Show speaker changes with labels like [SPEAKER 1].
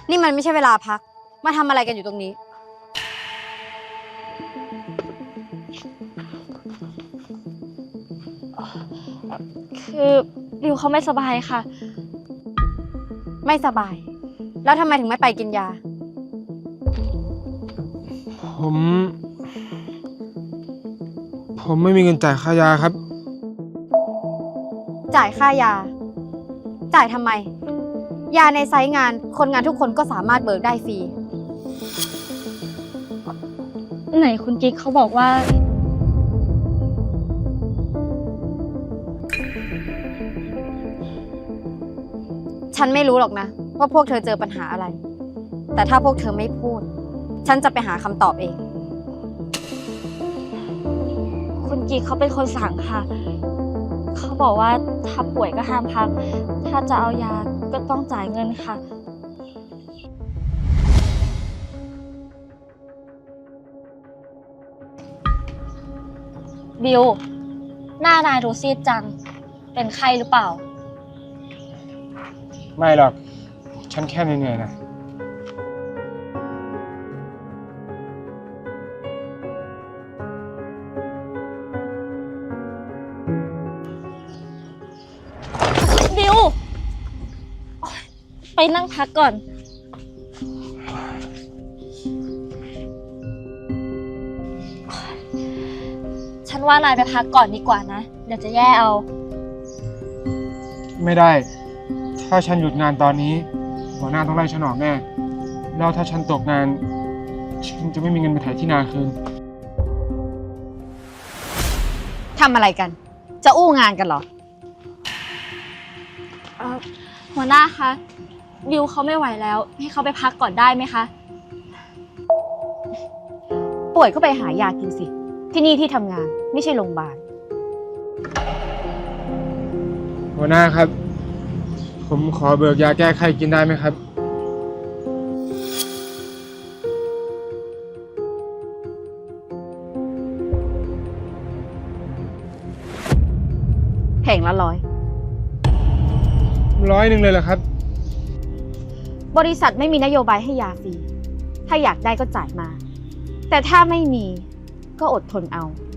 [SPEAKER 1] นี่มันไม่ใช่เวลาพัก มาทำอะไรกันอยู่ตรงนี้
[SPEAKER 2] คือบิวเขาไม่สบายค่ะ
[SPEAKER 1] ไม่สบาย แล้วทำไมถึงไม่ไปกินยา
[SPEAKER 3] ผมไม่มีเงินจ่ายค่ายาครับ
[SPEAKER 1] จ่ายค่ายา จ่ายทำไม ยาในไซต์งานคนงานทุกคนก็สามารถเบิกได้ฟรี
[SPEAKER 2] ไหนคุณกิ๊กเขาบอกว่า
[SPEAKER 1] ฉันไม่รู้หรอกนะ ว่าพวกเธอเจอปัญหาอะไร แต่ถ้าพวกเธอไม่พูด ฉันจะไปหาคำตอบเอง
[SPEAKER 2] คุณกิ๊กเขาเป็นคนสั่งค่ะ เขาบอกว่าถ้าป่วยก็ห้ามพัก ถ้าจะเอายาก็ต้องจ่ายเงินค่ะ บิว หน้านายดูซีดจัง เป็นไข้หรือเปล่า
[SPEAKER 3] ไม่หรอก ฉันแค่เหนื่อยๆนะ
[SPEAKER 2] บิวโอ๊ยไปนั่งพักก่อน ฉันว่านายไปพักก่อนดีกว่านะ เดี๋ยวจะแย่เอา
[SPEAKER 3] ไม่ได้ ถ้าฉันหยุดงานตอนนี้ หัวหน้าต้องไล่ฉันออกแน่ แล้วถ้าฉันตกงาน ฉันจะไม่มีเงินไปถ่ายที่นาคืน
[SPEAKER 1] ทำอะไรกัน จะอู้งานกันเหรอ
[SPEAKER 2] หัวหน้าคะ บิวเขาไม่ไหวแล้ว ให้เขาไปพักก่อนได้ไหมคะ
[SPEAKER 1] ป่วยก็ไปหายากินสิ ที่นี่ที่ทำงานไม่ใช่โรงพยาบาล
[SPEAKER 3] หัวหน้าครับ ผมขอเบิกยาแก้ไข้กินได้ไหมครับ
[SPEAKER 1] แผงละ100
[SPEAKER 3] 100เลยเหรอครับ
[SPEAKER 1] บริษัทไม่มีนโยบายให้ยาฟรี ถ้าอยากได้ก็จ่ายมา แต่ถ้าไม่มีก็อดทนเอา